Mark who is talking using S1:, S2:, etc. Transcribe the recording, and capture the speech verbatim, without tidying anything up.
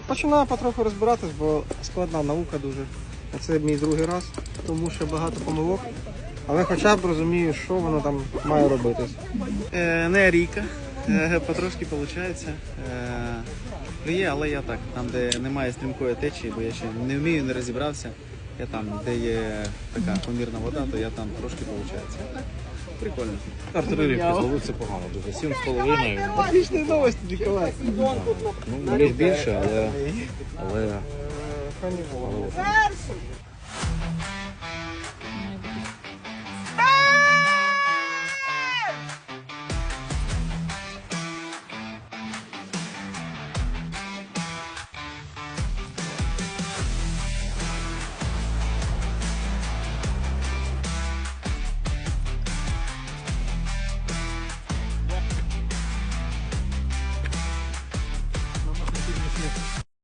S1: Починаю потроху розбиратись, бо складна наука дуже. Це мій другий раз, тому що багато помилок. Але хоча б розумію, що воно там має робити.
S2: Е, не ріка, е, потрошки виходить. Е, є, але я так, там де немає стрімкої течії, бо я ще не вмію, не розібрався. Я там, де є така помірна вода, то я там трошки виходить. Прикольно.
S3: Артилерію зловив це погано, дуже сім з половиною.
S1: Отличні новості, Ніколай.
S3: Ну, міг більше, але, але, але